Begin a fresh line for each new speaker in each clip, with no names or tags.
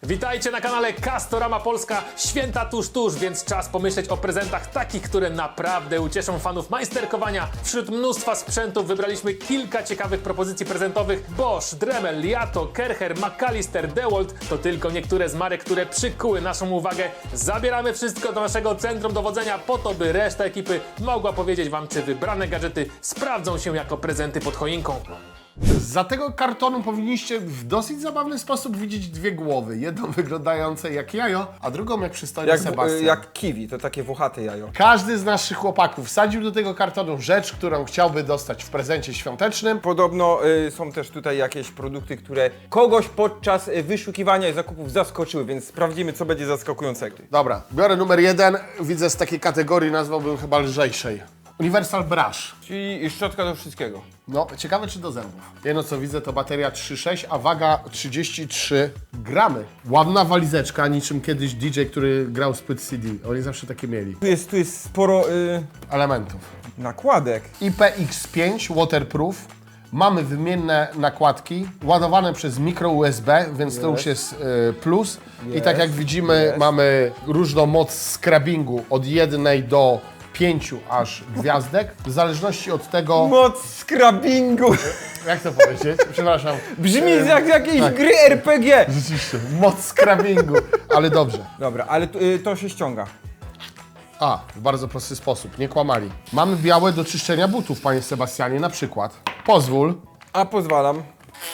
Witajcie na kanale Castorama Polska. Święta tuż, więc czas pomyśleć o prezentach takich, które naprawdę ucieszą fanów majsterkowania. Wśród mnóstwa sprzętów wybraliśmy kilka ciekawych propozycji prezentowych. Bosch, Dremel, Liato, Kercher, McAllister, DeWalt to tylko niektóre z marek, które przykuły naszą uwagę. Zabieramy wszystko do naszego centrum dowodzenia po to, by reszta ekipy mogła powiedzieć wam, czy wybrane gadżety sprawdzą się jako prezenty pod choinką.
Za tego kartonu powinniście w dosyć zabawny sposób widzieć dwie głowy. Jedną wyglądające jak jajo, a drugą jak przystojny Sebastian.
Jak kiwi, to takie włochate jajo.
Każdy z naszych chłopaków wsadził do tego kartonu rzecz, którą chciałby dostać w prezencie świątecznym.
Podobno są też tutaj jakieś produkty, które kogoś podczas wyszukiwania i zakupów zaskoczyły, więc sprawdzimy, co będzie zaskakującego.
Dobra, biorę numer 1. Widzę z takiej kategorii, nazwałbym chyba lżejszej. Universal Brush.
Czyli szczotka do wszystkiego.
No, ciekawe czy do zębów. Jedno co widzę to bateria 3,6, a waga 33 gramy. Ładna walizeczka, niczym kiedyś DJ, który grał z płyt CD. Oni zawsze takie mieli.
Tu jest sporo
Elementów.
nakładek.
IPX5 waterproof. Mamy wymienne nakładki, ładowane przez mikro USB, więc to już jest plus. I tak jak widzimy, mamy różną moc scrubbingu od 1 do 5 aż gwiazdek. W zależności od tego,
Moc scrubbingu.
jak to powiedzieć? Przepraszam.
Brzmi jak jakiejś
tak.
gry RPG.
Rzeczywiście, moc scrubbingu, ale dobrze.
Dobra, ale to się ściąga.
A, w bardzo prosty sposób, nie kłamali. Mamy białe do czyszczenia butów, panie Sebastianie, na przykład. Pozwól.
A pozwalam.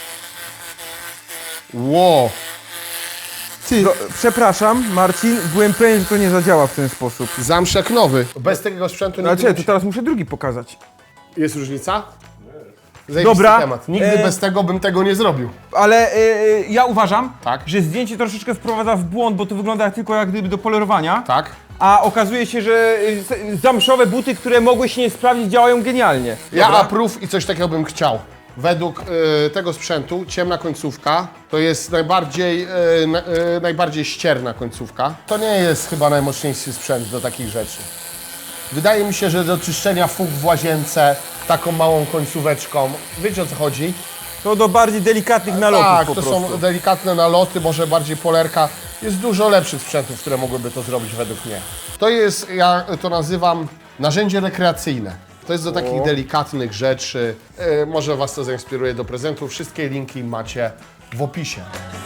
Ło. Ty,
Przepraszam, Marcin, byłem pewien, że to nie zadziała w ten sposób.
zamszek nowy. Bez tego sprzętu nie
Znaczy, to teraz muszę drugi pokazać.
Jest różnica? Zajebisty
Dobra.
temat. Nigdy bez tego bym tego nie zrobił.
Ale ja uważam,
Tak.
że zdjęcie troszeczkę wprowadza w błąd, bo to wygląda tylko jak gdyby do polerowania.
Tak?
A okazuje się, że zamszowe buty, które mogły się nie sprawdzić, działają genialnie.
Ja
Dobra?
approve i coś takiego bym chciał. Według tego sprzętu ciemna końcówka to jest najbardziej ścierna końcówka. To nie jest chyba najmocniejszy sprzęt do takich rzeczy. Wydaje mi się, że do czyszczenia fug w łazience taką małą końcóweczką, wiecie o co chodzi?
To do bardziej delikatnych nalotów
Tak,
po
to
prostu.
są delikatne naloty, może bardziej polerka. Jest dużo lepszych sprzętów, które mogłyby to zrobić według mnie. To jest, ja to nazywam, narzędzie rekreacyjne. To jest do takich delikatnych rzeczy. Może Was to zainspiruje do prezentu. Wszystkie linki macie w opisie.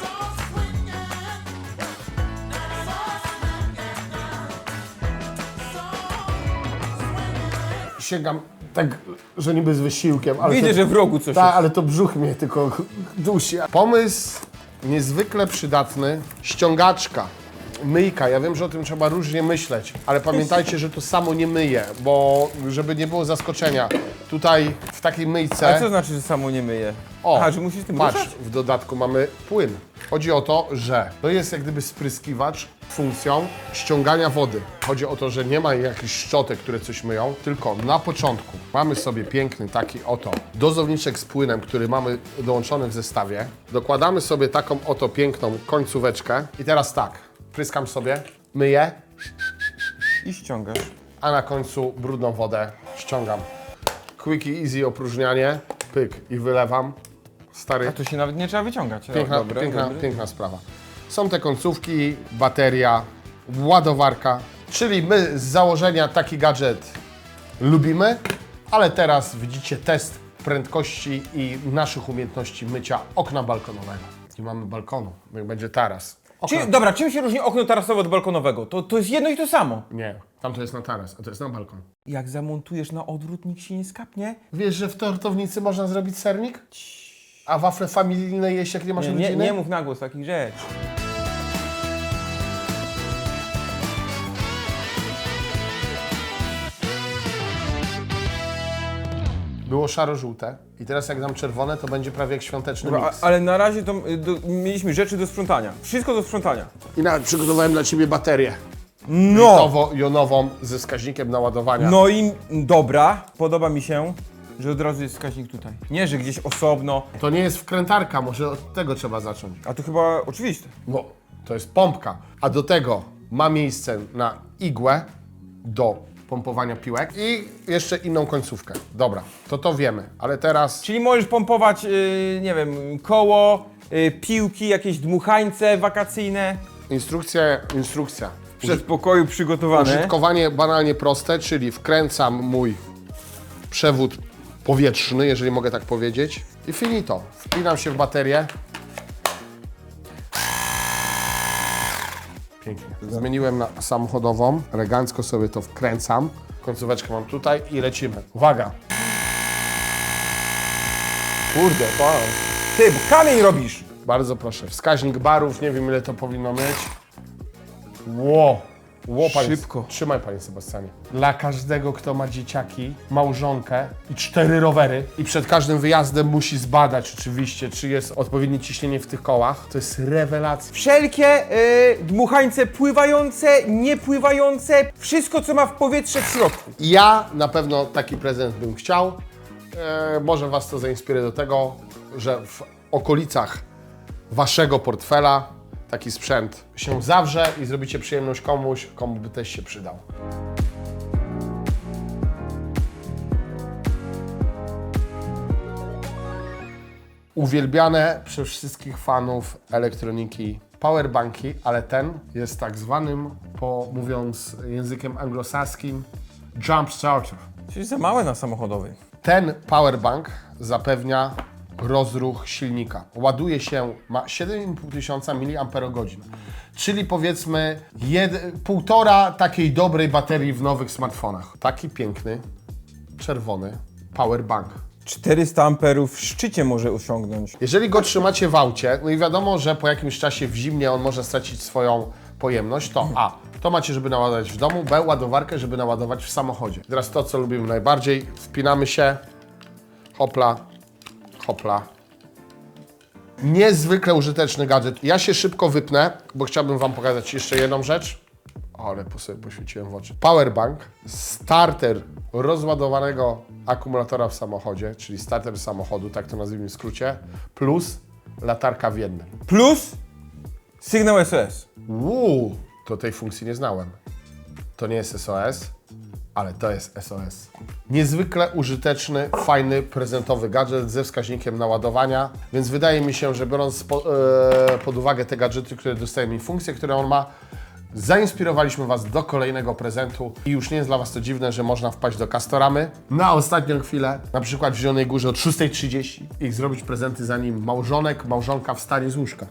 Sięgam tak, że niby z wysiłkiem, ale
Widzę,
to,
że w rogu coś
tak,
jest.
ale to brzuch mnie tylko dusi. Pomysł niezwykle przydatny. Ściągaczka, myjka. Ja wiem, że o tym trzeba różnie myśleć, ale pamiętajcie, że to samo nie myje, bo żeby nie było zaskoczenia, tutaj w takiej myjce...
A co znaczy, że samo nie myje?
O,
Aha, że musisz tym
patrz,
ruszać?
w dodatku mamy płyn. Chodzi o to, że to jest jak gdyby spryskiwacz funkcją ściągania wody. Chodzi o to, że nie ma jakichś szczotek, które coś myją, tylko na początku mamy sobie piękny taki oto dozowniczek z płynem, który mamy dołączony w zestawie. Dokładamy sobie taką oto piękną końcóweczkę i teraz tak, pryskam sobie, myję,
I ściągasz.
a na końcu brudną wodę ściągam. Quick i easy opróżnianie, pyk i wylewam. Stary,
A to się nawet nie trzeba wyciągać.
Piękna,
Dobra,
piękna,
dobra.
piękna sprawa. Są te końcówki, bateria, ładowarka, czyli my z założenia taki gadżet lubimy, ale teraz widzicie test prędkości i naszych umiejętności mycia okna balkonowego. Nie mamy balkonu, jak będzie taras.
Dobra, czym się różni okno tarasowe od balkonowego? To jest jedno i to samo.
Nie, tam to jest na taras, a to jest na balkon.
Jak zamontujesz na odwrót, nikt się nie skapnie.
Wiesz, że w tortownicy można zrobić sernik? A wafle familijne jeść, jak nie masz rodziny?
Nie mów na głos takich rzeczy.
Było szaro-żółte i teraz jak dam czerwone, to będzie prawie jak świąteczny
Dobra,
miks.
ale na razie to mieliśmy rzeczy do sprzątania. Wszystko do sprzątania.
I nawet przygotowałem dla Ciebie baterię.
No!
Jonową ze wskaźnikiem naładowania.
No i dobra, podoba mi się, że od razu jest wskaźnik tutaj. Nie, że gdzieś osobno.
To nie jest wkrętarka, może od tego trzeba zacząć.
A to chyba oczywiste.
Bo to jest pompka, a do tego ma miejsce na igłę do pompowania piłek i jeszcze inną końcówkę. Dobra, to wiemy, ale teraz
Czyli możesz pompować, nie wiem, koło, piłki, jakieś dmuchańce wakacyjne.
Instrukcja.
W przedpokoju przygotowane.
Użytkowanie banalnie proste, czyli wkręcam mój przewód powietrzny, jeżeli mogę tak powiedzieć, i finito. Wpinam się w baterię. Pięknie. Zmieniłem na samochodową, elegancko sobie to wkręcam. Końcóweczkę mam tutaj i lecimy. Uwaga!
Kurde, pan. Ty, bo kamień robisz!
Bardzo proszę. Wskaźnik barów, nie wiem ile to powinno mieć. Ło! Panie,
Szybko.
Trzymaj, panie Sebastianie. Dla każdego, kto ma dzieciaki, małżonkę i 4 rowery i przed każdym wyjazdem musi zbadać oczywiście, czy jest odpowiednie ciśnienie w tych kołach. To jest rewelacja.
Wszelkie dmuchańce pływające, niepływające, wszystko co ma w powietrze w środku.
Ja na pewno taki prezent bym chciał. Może was to zainspiruje do tego, że w okolicach waszego portfela taki sprzęt się zawrze i zrobicie przyjemność komuś, komu by też się przydał. Uwielbiane przez wszystkich fanów elektroniki powerbanki, ale ten jest tak zwanym, mówiąc językiem anglosaskim, jump starter.
Czyli za małe na samochodowy.
Ten powerbank zapewnia rozruch silnika. Ładuje się, ma 7500 mAh, czyli powiedzmy 1,5 takiej dobrej baterii w nowych smartfonach. Taki piękny, czerwony powerbank.
400 amperów w szczycie może osiągnąć.
Jeżeli go trzymacie w aucie, no i wiadomo, że po jakimś czasie w zimnie on może stracić swoją pojemność, to A, to macie, żeby naładować w domu, B, ładowarkę, żeby naładować w samochodzie. Teraz to, co lubimy najbardziej, wpinamy się, hopla, hopla. Niezwykle użyteczny gadżet. Ja się szybko wypnę, bo chciałbym wam pokazać jeszcze jedną rzecz. O, ale sobie poświeciłem w oczy. Powerbank, starter rozładowanego akumulatora w samochodzie, czyli starter samochodu, tak to nazwijmy w skrócie, plus latarka w jednym.
Plus sygnał SOS.
To tej funkcji nie znałem. To nie jest SOS, ale to jest SOS. Niezwykle użyteczny, fajny, prezentowy gadżet ze wskaźnikiem naładowania, więc wydaje mi się, że biorąc pod uwagę te gadżety, które dostajemy i funkcje, które on ma, zainspirowaliśmy Was do kolejnego prezentu i już nie jest dla Was to dziwne, że można wpaść do Castoramy na ostatnią chwilę, na przykład w Zielonej Górze od 6:30 i zrobić prezenty zanim małżonka wstanie z łóżka.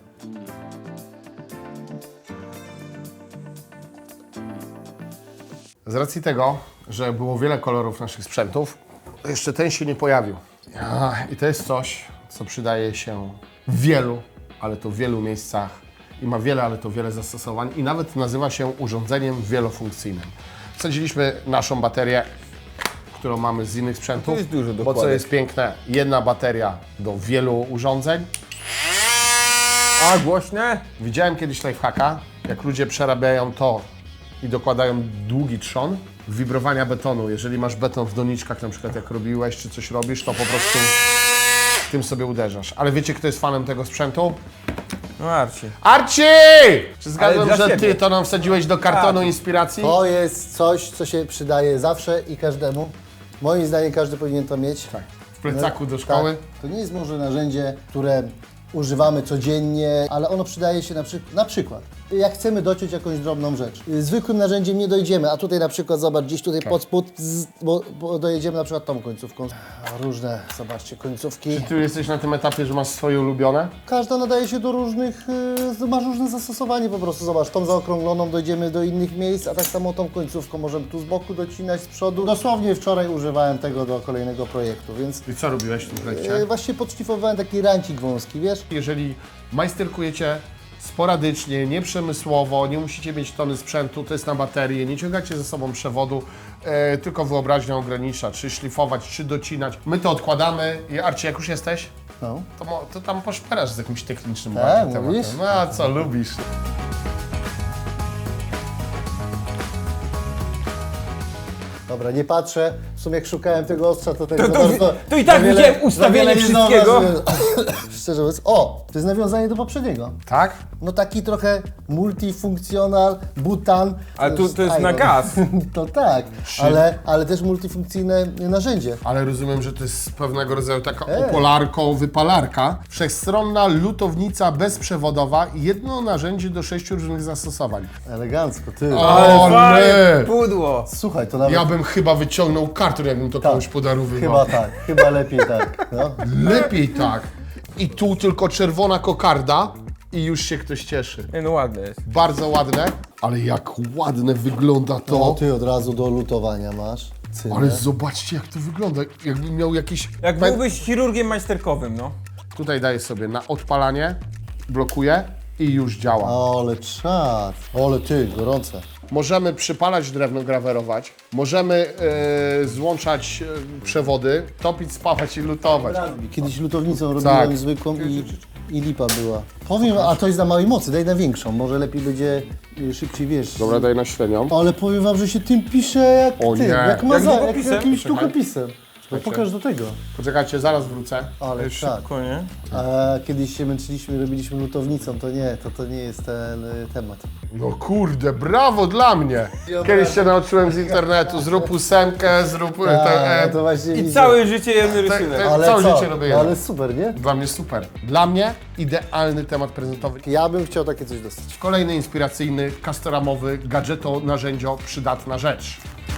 Z racji tego, że było wiele kolorów naszych sprzętów, jeszcze ten się nie pojawił. I to jest coś, co przydaje się w wielu, ale to w wielu miejscach i ma wiele, ale to wiele zastosowań i nawet nazywa się urządzeniem wielofunkcyjnym. Wsadziliśmy naszą baterię, którą mamy z innych sprzętów,
To jest dużo
bo co
dokładek.
jest piękne, jedna bateria do wielu urządzeń.
A, głośne?
Widziałem kiedyś lifehacka, jak ludzie przerabiają to i dokładają długi trzon wibrowania betonu. Jeżeli masz beton w doniczkach, na przykład jak robiłeś, czy coś robisz, to po prostu tym sobie uderzasz. Ale wiecie, kto jest fanem tego sprzętu?
No Arci.
Arci! Czy zgadłem,
dla
że
siebie.
ty to nam wsadziłeś do kartonu
Tak.
inspiracji?
To jest coś, co się przydaje zawsze i każdemu. Moim zdaniem każdy powinien to mieć.
Tak. W plecaku do szkoły?
Tak. To nie jest może narzędzie, które używamy codziennie, ale ono przydaje się na przykład, jak chcemy dociąć jakąś drobną rzecz. Zwykłym narzędziem nie dojdziemy, a tutaj na przykład, zobacz, gdzieś tutaj pod spód, bo dojedziemy na przykład tą końcówką. Różne, zobaczcie, końcówki.
Ty jesteś na tym etapie, że masz swoje ulubione?
Każda nadaje się do różnych, masz różne zastosowanie po prostu. Zobacz, tą zaokrągloną dojdziemy do innych miejsc, a tak samo tą końcówką możemy tu z boku docinać, z przodu. Dosłownie wczoraj używałem tego do kolejnego projektu, więc
I co robiłeś w tym projekcie?
właśnie podszlifowałem taki rancik wąski, wiesz?
Jeżeli majsterkujecie sporadycznie, nieprzemysłowo, nie musicie mieć tony sprzętu, to jest na baterię, nie ciągacie ze sobą przewodu, tylko wyobraźnia ogranicza, czy szlifować, czy docinać. My to odkładamy i Arci, jak już jesteś,
No.
to tam poszperasz z jakimś technicznym
Tak,
bardziej
mówisz?
tematem. No a co lubisz?
Dobra, nie patrzę. w sumie jak szukałem tego ostrza, to tak
To-
za
to-
bardzo...
to i tak
za wiele-
widziałem
za
ustawienie
wiele nie
wszystkiego.
zauważyłem. Szczerze mówiąc, o, to jest nawiązanie do poprzedniego.
Tak?
No taki trochę multifunkcjonal, butan.
Ale to jest na
iron.
gaz.
To tak, ale też multifunkcyjne narzędzie.
Ale rozumiem, że to jest pewnego rodzaju taka opolarko-wypalarka. Wszechstronna lutownica bezprzewodowa i jedno narzędzie do 6 różnych zastosowań.
Elegancko, ty.
O,
fajne
nie!
pudło.
Słuchaj, to nawet
Ja bym chyba wyciągnął karton, jakbym to komuś podarowywał.
chyba tak, chyba lepiej tak. No.
Lepiej tak. I tu tylko czerwona kokarda i już się ktoś cieszy.
Nie, no ładne jest.
Bardzo ładne, ale jak ładne wygląda
No
to.
ty od razu do lutowania masz. Cynę.
Ale zobaczcie, jak to wygląda. Jakbym miał jakiś...
Jak byłbyś chirurgiem majsterkowym, no.
Tutaj daję sobie na odpalanie, blokuję i już działa.
Ale czad, ale ty, gorące.
Możemy przypalać drewno, grawerować. Możemy złączać przewody, topić, spawać i lutować.
Kiedyś lutownicą robiłem
Tak.
zwykłą i lipa była. Powiem, a to jest na małej mocy, daj na większą, może lepiej będzie szybciej, wiesz.
Dobra, daj na średnią.
Ale powiem wam, że się tym pisze jak
O
ty,
nie.
jak
długopisem?
jakimś
Poczekaj.
długopisem. No pokaż do tego.
Poczekajcie, zaraz wrócę.
Ale tak.
Szybko, nie?
A kiedyś się męczyliśmy, robiliśmy lutownicą, to nie jest ten temat.
No kurde, brawo dla mnie! Kiedyś się nauczyłem z internetu, zrób ósemkę, zrób...
To właśnie
I
widzę.
całe życie jeden rysunek.
Ale całe życie robię jedno.
Ale super, nie?
Dla mnie super. Dla mnie idealny temat prezentowy.
Ja bym chciał takie coś dostać.
Kolejny inspiracyjny, customowy, gadżeto, narzędzio, przydatna rzecz.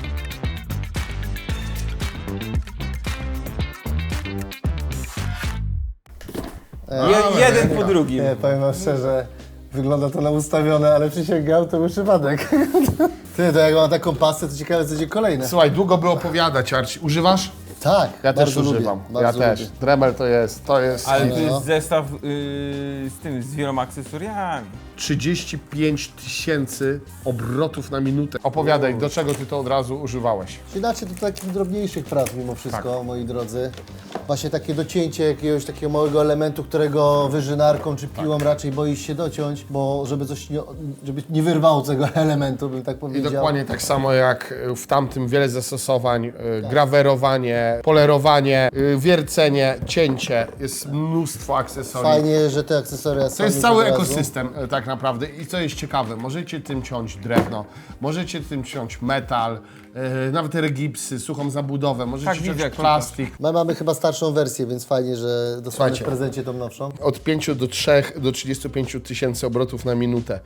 Jeden po drugim.
Nie, powiem wam szczerze, wygląda to na ustawione, ale przysięgam, to był przypadek. Ty, to jak mam taką pastę, to ciekawe, co będzie kolejne.
Słuchaj, długo by opowiadać, Arci. Używasz?
Tak,
Ja też
bardzo
używam.
lubię,
Ja
bardzo
też.
lubię.
Dremel to jest
Ale
hit.
to jest zestaw z wieloma akcesoriami.
35 000 obrotów na minutę. Opowiadaj, do czego ty to od razu używałeś?
Inaczej do takich drobniejszych prac mimo wszystko,
Tak.
moi drodzy. Właśnie takie docięcie jakiegoś takiego małego elementu, którego wyżynarką czy piłą
Tak.
raczej boisz się dociąć, bo żeby coś żeby nie wyrwało tego elementu, bym tak
I
powiedział.
dokładnie tak samo jak w tamtym wiele zastosowań, grawerowanie, polerowanie, wiercenie, cięcie, jest mnóstwo akcesoriów.
Fajnie, że te akcesoria są
To jest
już
cały
od razu.
ekosystem tak naprawdę i co jest ciekawe, możecie tym ciąć drewno, możecie tym ciąć metal, nawet regipsy, suchą zabudowę, możecie
Tak, widzę,
ciąć
jak
plastik.
My mamy chyba starszą wersję, więc fajnie, że dostaniesz w
Słuchajcie.
prezencie tą nowszą.
Od 5 do 3 do 35 000 obrotów na minutę.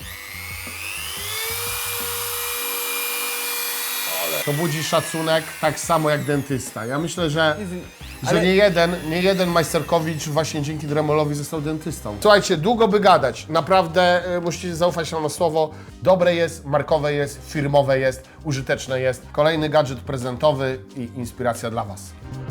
To budzi szacunek tak samo jak dentysta. Ja myślę, że
Ale-
nie jeden majsterkowicz właśnie dzięki Dremelowi został dentystą. Słuchajcie, długo by gadać. Naprawdę musicie zaufać nam na słowo. Dobre jest, markowe jest, firmowe jest, użyteczne jest. Kolejny gadżet prezentowy i inspiracja dla Was.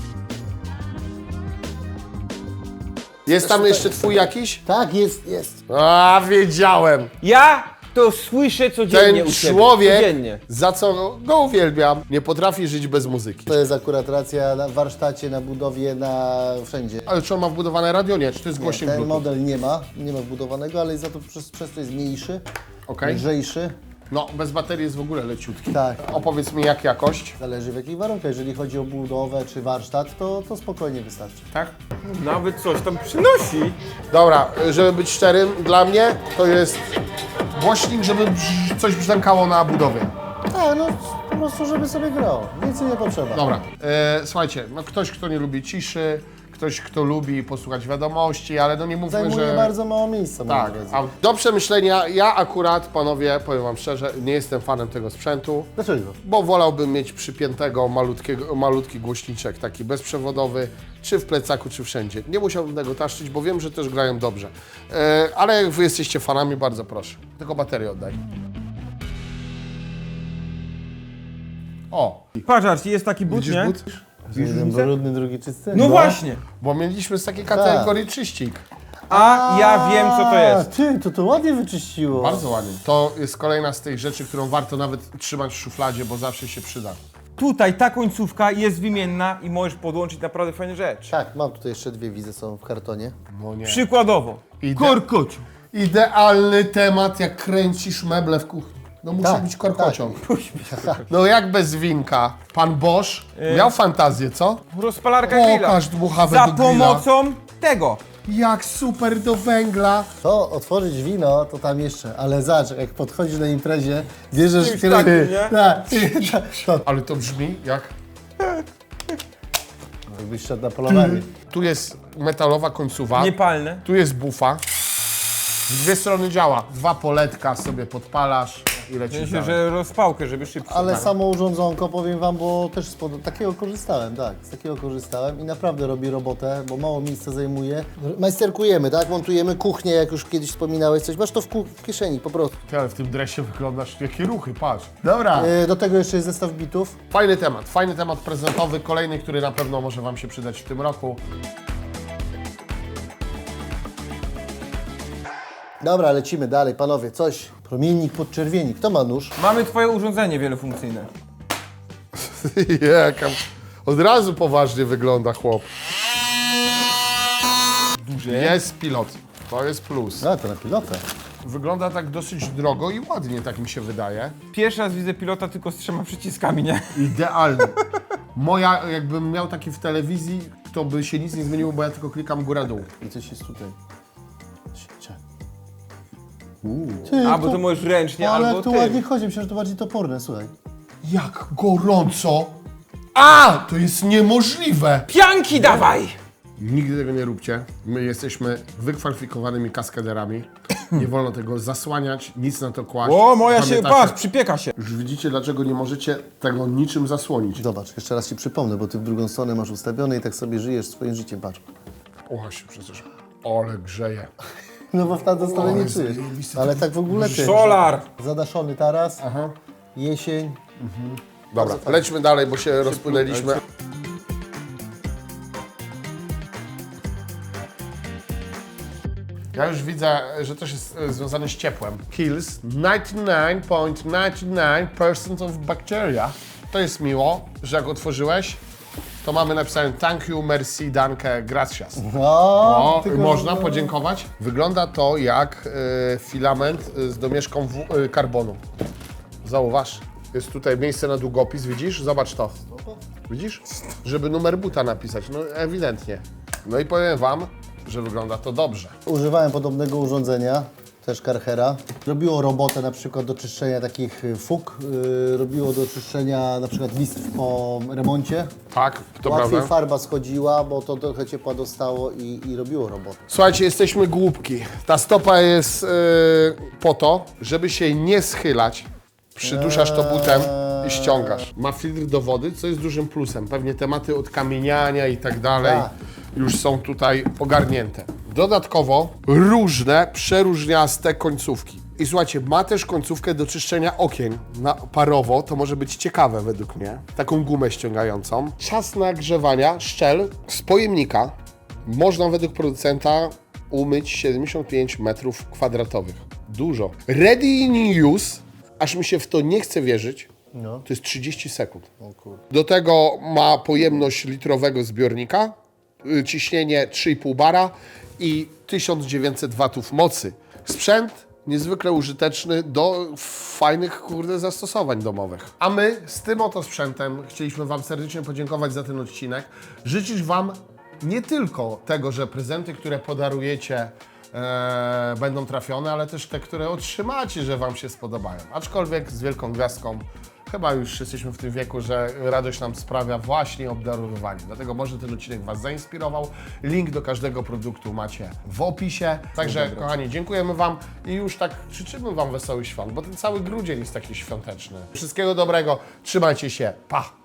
Jest tam jeszcze twój jakiś?
Tak, jest.
A, wiedziałem.
Ja to słyszę codziennie
Ten
u ciebie.
człowiek,
Codziennie.
za co go uwielbiam, nie potrafi żyć bez muzyki.
To jest akurat racja na warsztacie, na budowie, wszędzie.
Ale czy on ma wbudowane radio? Nie, czy to jest
Nie,
głośnik
ten
Bluetooth?
model nie ma wbudowanego, ale za to przez to jest mniejszy,
Okej.
lżejszy.
No, bez baterii jest w ogóle leciutki.
Tak.
Opowiedz mi, jak jakość,
Zależy w jakich warunkach. Jeżeli chodzi o budowę czy warsztat, to spokojnie wystarczy.
tak?
Nawet coś tam przynosi.
Dobra, żeby być szczerym, dla mnie to jest głośnik, żeby coś brzękało na budowie.
Tak, no po prostu, żeby sobie grał. Więcej nie potrzeba.
Dobra, słuchajcie, no ktoś, kto nie lubi ciszy, ktoś, kto lubi posłuchać wiadomości, ale no nie mówmy,
Zajmuje
że...
bardzo mało miejsca, moi
Tak,
drodzy.
a do przemyślenia, ja akurat, panowie, powiem wam szczerze, nie jestem fanem tego sprzętu,
Dlaczego?
bo wolałbym mieć przypiętego malutki głośniczek, taki bezprzewodowy, czy w plecaku, czy wszędzie. Nie musiałbym tego taszczyć, bo wiem, że też grają dobrze. Ale jak wy jesteście fanami, bardzo proszę. Tylko baterię oddaj. O,
Patrz, Arci, jest taki but,
widzisz
nie?
but?
Jeden brudny, drugi czysty?
No właśnie.
Bo mieliśmy z takiej kategorii czyścik.
A ja wiem, co to jest.
Ty, to ładnie wyczyściło.
Bardzo ładnie. To jest kolejna z tych rzeczy, którą warto nawet trzymać w szufladzie, bo zawsze się przyda.
Tutaj ta końcówka jest wymienna i możesz podłączyć naprawdę fajne rzeczy.
Tak, mam tutaj jeszcze dwie, widzę, są w kartonie.
No nie.
Przykładowo.
Ide-
Korkociu.
Idealny temat, jak kręcisz meble w kuchni. No musi
Tak,
być korkociąg. No jak bez winka? Pan Bosch miał fantazję, co?
Rozpalarka
O,
grilla.
każdy dmuchawy
Za
do grilla.
pomocą tego.
Jak super do węgla.
To otworzyć wino, to tam jeszcze, ale zobacz, jak podchodzisz na imprezie, bierzesz
Czymś takim, nie?
Tak, to
Ale to brzmi jak...
jakbyś szedł na polowanie.
Tu jest metalowa końcowa,
Niepalne.
tu jest bufa. W dwie strony działa. 2 poletka sobie podpalasz i lecisz
Myślę,
dalej.
że rozpałkę, żeby szybciej.
Ale samo urządzonko, powiem wam, bo też takiego korzystałem, tak, z takiego korzystałem i naprawdę robi robotę, bo mało miejsca zajmuje. Majsterkujemy, tak, montujemy kuchnię, jak już kiedyś wspominałeś coś, masz to w kieszeni po prostu.
Ty, ale w tym dresie wyglądasz, jakie ruchy, patrz. Dobra.
Do tego jeszcze jest zestaw bitów.
Fajny temat prezentowy, kolejny, który na pewno może wam się przydać w tym roku.
Dobra, lecimy dalej, panowie, coś. Promiennik, podczerwieni. Kto ma nóż?
Mamy twoje urządzenie wielofunkcyjne.
Jaka... Od razu poważnie wygląda chłop.
Duże.
Jest pilot, to jest plus.
No, to na pilotę.
Wygląda tak dosyć drogo i ładnie, tak mi się wydaje.
Pierwszy raz widzę pilota tylko z 3 przyciskami, nie?
Idealny. Moja, jakbym miał taki w telewizji, to by się nic nie zmieniło, bo ja tylko klikam góra-dół.
I coś jest tutaj.
Albo to możesz ręcznie,
ale
albo
tu
ty.
ładnie chodzi, myślę, że to bardziej toporne, słuchaj.
Jak gorąco! A! To jest niemożliwe!
Pianki dawaj!
Nigdy tego nie róbcie. My jesteśmy wykwalifikowanymi kaskaderami. Nie wolno tego zasłaniać, nic na to kłaść.
O, moja się,
Pamiętacie?
patrz, przypieka się.
Już widzicie, dlaczego nie możecie tego niczym zasłonić.
Zobacz, jeszcze raz ci przypomnę, bo ty w drugą stronę masz ustawione i tak sobie żyjesz swoim życiem, patrz.
O, się przecież. Ale grzeje.
No bo w tamtą stronę nie
Ale
czujesz.
zajebiste.
Ale tak w ogóle ty.
Solar!
Zadaszony taras, jesień.
Dobra, lećmy dalej, bo się rozpłynęliśmy. Ja już widzę, że też jest związane z ciepłem. Kills 99.99% of bacteria. To jest miło, że jak otworzyłeś, to mamy napisane thank you, merci, danke, gracias. O,
tylko
można podziękować. Wygląda to jak filament z domieszką karbonu. Zauważ, jest tutaj miejsce na długopis, widzisz? Zobacz to. Widzisz? Żeby numer buta napisać, no ewidentnie. No i powiem wam, że wygląda to dobrze.
Używałem podobnego urządzenia, też Karchera. Robiło robotę na przykład do czyszczenia takich fug, robiło do czyszczenia na przykład listw po remoncie.
Tak, to
Łatwiej
prawda.
farba schodziła, bo to trochę ciepła dostało i robiło robotę.
Słuchajcie, jesteśmy głupki. Ta stopa jest po to, żeby się nie schylać. Przyduszasz to butem i ściągasz. Ma filtr do wody, co jest dużym plusem. Pewnie tematy odkamieniania i tak dalej
Tak.
już są tutaj ogarnięte. Dodatkowo różne, przeróżniaste końcówki. I słuchajcie, ma też końcówkę do czyszczenia okien na parowo, to może być ciekawe według mnie. Taką gumę ściągającą. Czas nagrzewania szczel z pojemnika można według producenta umyć 75 m2. Dużo. Ready in use, aż mi się w to nie chce wierzyć, to jest 30 sekund. Do tego ma pojemność litrowego zbiornika, ciśnienie 3,5 bara i 1900 watów mocy. Sprzęt niezwykle użyteczny do fajnych, zastosowań domowych. A my z tym oto sprzętem chcieliśmy wam serdecznie podziękować za ten odcinek. Życzyć wam nie tylko tego, że prezenty, które podarujecie, będą trafione, ale też te, które otrzymacie, że wam się spodobają. Aczkolwiek z wielką gwiazdką chyba już jesteśmy w tym wieku, że radość nam sprawia właśnie obdarowywanie. Dlatego może ten odcinek was zainspirował. Link do każdego produktu macie w opisie. Także kochani, dziękujemy wam i już tak życzymy wam wesołych świąt, bo ten cały grudzień jest taki świąteczny. Wszystkiego dobrego, trzymajcie się, pa!